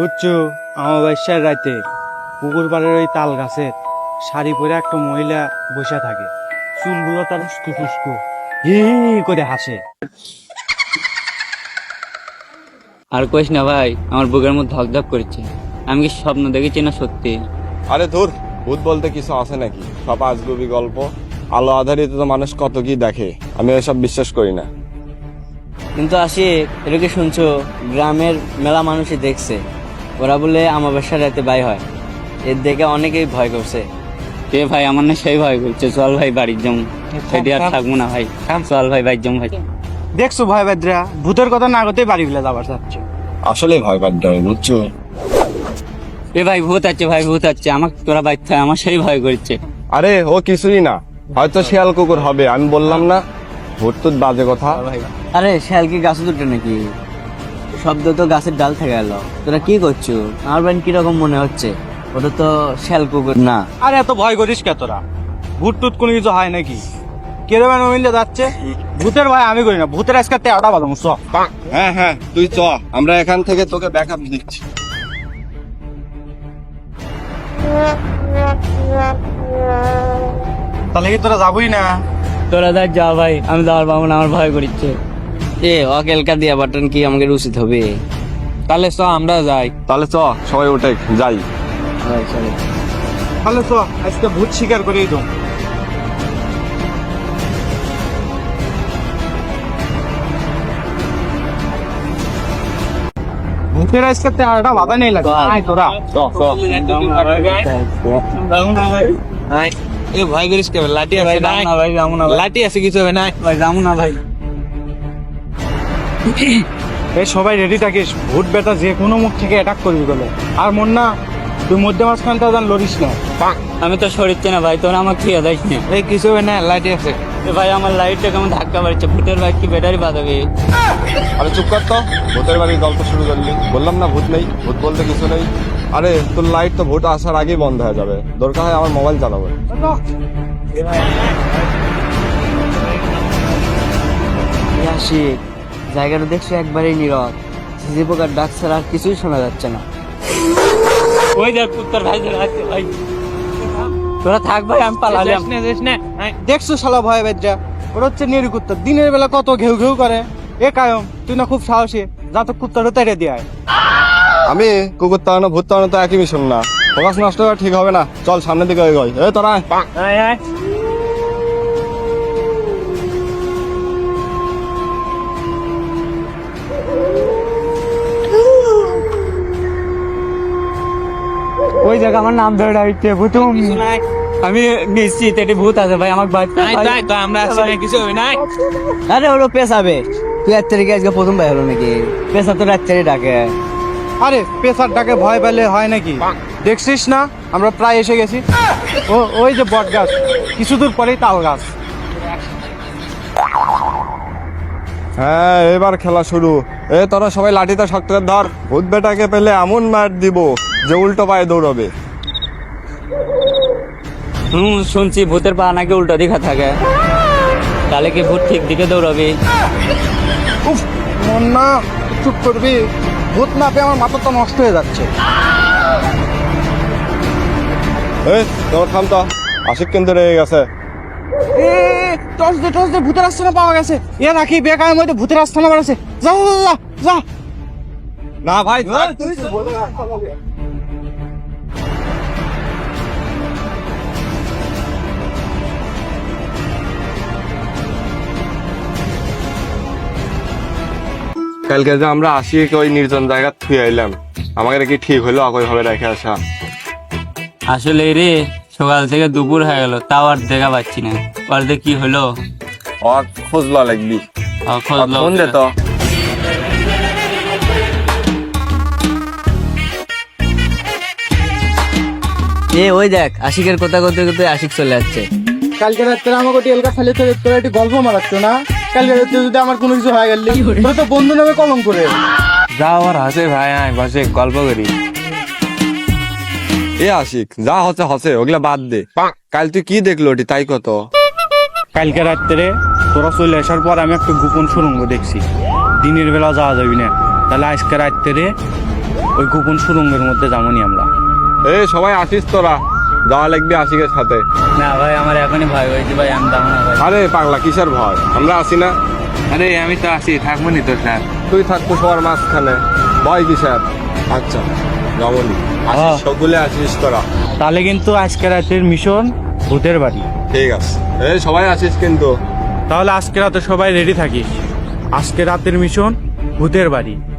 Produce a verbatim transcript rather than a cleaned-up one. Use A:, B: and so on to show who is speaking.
A: বুঝছো, অমাবস্যার রাতে পুকুর পাড়ের ওই তাল গাছের শাড়ি পরে একটা মহিলা বসে থাকে, চুলগুলো তার উস্কু ফুস্কু হি করে হাসে।
B: আর কইস না ভাই, আমার বুকের মধ্যে ধকধক করছে। আমি কি স্বপ্ন দেখেছি না সত্যি?
C: আরে ধুর, ভূত বলতে কিছু আছে নাকি? সব আজগুবি গল্প। আলো আধারিত তো মানুষ কত কি দেখে, আমি এসব বিশ্বাস করি না।
B: কিন্তু আসি, এটা কি শুনছো? গ্রামের মেলা মানুষই দেখছে, ওরা বলে আমাবস্যার রাতে বাই হয়। এর দেখে অনেকেই ভয় করছে। কে ভাই? আমার না সেই ভয় করছে। চল ভাই বাড়ির যাম, সেটি আর থাকবো না ভাই। চল ভাই বাড়ির যাম ভাই।
A: দেখছো ভাই বেদ্রা, ভূতের কথা না করতেই বাড়ি ফেলে যাবার চাচ্ছে।
C: আসলে ভয় পাচ্ছি আমি, বুঝছো?
B: এ ভাই ভূত আছে, ভাই ভূত আছে, আমাকে তোরা বাইতে আমার সেই ভয় করছে।
C: আরে ও কিছুই না, হয়তো শিয়াল কুকুর হবে। আমি বললাম না, ভূত টুত বাজে কথা।
B: আরে শিয়াল কি গাছে দুটো নাকি? শব্দ তো গাছের ডাল থেকে এলো। তোরা কি করছো? আমার বাড়ি কিরকম মনে হচ্ছে? ওটা তো শিয়াল কুকুর না।
A: আরে এত ভয় করিস কে তোরা? ভূত টুত কোনো কিছু হয় নাকি? কেরম মিলে যাচ্ছে? ভূতের ভয় আমি করি না, ভূতের আজকে তেরোটা বাদাম।
C: হ্যাঁ হ্যাঁ, তুই চ, আমরা এখান থেকে তোকে ব্যাকআপ দিচ্ছি।
A: তাহলে কি তোরা যাবই না?
B: তোরা দেখ যা ভাই, আমি যাওয়ার পাবো না, আমার ভয় করছে। এ অকেলকা দিয়া বাটন কি আমাকে উচিত হবে? তাহলে চ আমরা যাই।
C: তাহলে চ, সবাই উঠে যাই।
A: তাহলে তো আজকে ভূত স্বীকার করেই তো। ভূতের আজকে তেরোটা বাধা নেই লাগে। আয় তোরা
B: এ ভয় করিস কে? লাঠি আছে না ভাই? যাবো না। লাঠি আছে, কিছু হবে না ভাই, যাবো না ভাই।
A: এই সবাই রেডি থাকিস, ভূত বেটা যে কোনো মুখ থেকে অ্যাটাক করবি বলে। আর মন না, তুই মধ্যে মাঝখানটা যেন লড়িস না।
B: আমি তো সরিচ্ছে না ভাই, তোরা আমার খেয়ে দেয় না।
A: এই কিছু হবে না, লাইট আছে।
B: এ ভাই আমার লাইটটা কেমন ধাক্কা মারছে। ভূতের বাইক কি ব্যাটারি বাঁধাবে?
C: আরে চুপ কর তো, ভূতের বাড়ির গল্প শুরু করলি। বললাম না ভূত নেই, ভূত বলতে কিছু নেই। আরে তোর লাইট তো ভূত আসার আগেই বন্ধ হয়ে যাবে, দরকার হয় আমার মোবাইল চালাবো।
B: আসি, জায়গাটা দেখছো একবারেই নীরব। ঝিঝি পোকার ডাক ছাড়া আর কিছুই শোনা যাচ্ছে না। ওই দেখ কুত্তার ভাই ধরে আছে ভাই। তোরা থাক ভাই, আমি পালালাম।
A: দেখছো শালা ভয় বেদ্রা, ওরা হচ্ছে নেড়ি কুত্তা। দিনের বেলা কত ঘেউ ঘেউ করে। এ কায়ম, তুই না খুব সাহসী, যা তো কুত্তাটা তেড়ে দিয়ে আয়।
C: আমি কুকুর তাড়ানো ভূত তাড়ানো তো একই মিশন না, ফোকাস নষ্ট করা ঠিক হবে না। চল সামনের দিকে এগোই। এ তোরা আয়।
A: ওই জায়গা আমার নাম ধরে ডাকতে ভূতুম।
B: আমি নিশ্চিত এটি ভূত আছে ভাই, আমাকে বাইতে আমরা আসলে কিছু হবে না। আরে ওরা পেছাবে। তুই এক তারিখে আজকে প্রথম ভাই হলো নাকি? পেশা তো রাত তারিখে ডাকে।
A: আরে পেশার ডাকে ভয় পেলে হয় নাকি? দেখছিস না আমরা প্রায় এসে গেছি। ও ওই যে বট গাছ, কিছু দূর পরেই তাল গাছ।
C: হ্যাঁ, এবার খেলা শুরু। এ তোরা সবাই লাঠিটা শক্ত করে ধর। ভূত বেটাকে পেলে এমন মার দিব যে উল্টো পায়ে দৌড়বে।
B: হুম, শুনছি ভূতের পা নাকি উল্টো দিকে থাকে। তাহলে কি ভূত ঠিক দিকে দৌড়াবে?
A: উফ, মন না, চুপ করবি। ভূত না পেয়ে আমার মাথা তো নষ্ট হয়ে যাচ্ছে।
C: এ তোর থাম তো, আশিক কিন্তু রয়ে গেছে।
A: এ টস দে টস দে, ভূতের আস্থানা পাওয়া গেছে। এ রাখি বেকার মধ্যে ভূতের আস্থানা বাড়াছে। যা যা, যা যা।
C: না ভাই, কালকে যে আমরা আশিকে ওই নির্জন জায়গা থুয়ে আইলাম, আমাকে কি ঠিক হলো একই ভাবে রেখে আসা?
B: আসলে রে, সকাল থেকে দুপুর হয়ে গেল, তাও আর দেখা পাচ্ছি না। ওর যে কি হলো?
C: আর খোঁজ লওয়া লাগবি।
B: আহ, খোঁজ লও।
C: ফোন দে তো।
B: এ ওই দেখ, আশিকের কথা করতে করতে আশিক চলে যাচ্ছে।
A: কালকে রাত্রে আমাকে টেলকা ফেলে তো তোরা একটু গল্প মারাচ্ছ না? কালকে রাত্রে যদি আমার কোনো কিছু হয়ে গেল, তোরা তো বন্ধু নামে কলম করে।
C: যা আবার হাসে ভাই, আয় বসে গল্প করি। এ আশিক, যা হচ্ছে হচ্ছে, ওগুলা বাদ দে। কাল তুই কি দেখলো ওটি তাই কত?
A: কালকে রাত্রে তোরা চলে আসার পর আমি একটা গোপন সুড়ঙ্গ দেখছি। দিনের বেলা যাওয়া যাবি না, তাহলে আজকে রাত্রে ওই গোপন সুরঙ্গের মধ্যে যাবনি আমরা।
C: এ সবাই আসিস তোরা, যাওয়া লাগবে আশিকের সাথে।
B: না ভাই আমার এখনই ভয় হয়েছে ভাই, আমি যাবো না ভাই।
C: আরে পাগলা কিসের ভয়, আমরা আসি না।
A: আরে আমি তো আছি, থাকবো নি তোর সাথে।
C: তুই থাকবো সবার মাঝখানে, ভয় কিসের? আচ্ছা যাবনি, আসিস
A: হ্যাঁ।
C: সকলে আসিস তোরা।
A: তাহলে কিন্তু আজকে রাতের মিশন ভূতের বাড়ি।
C: ঠিক আছে, এই সবাই আসিস কিন্তু।
A: তাহলে আজকে রাতে সবাই রেডি থাকিস। আজকে রাতের মিশন ভূতের বাড়ি।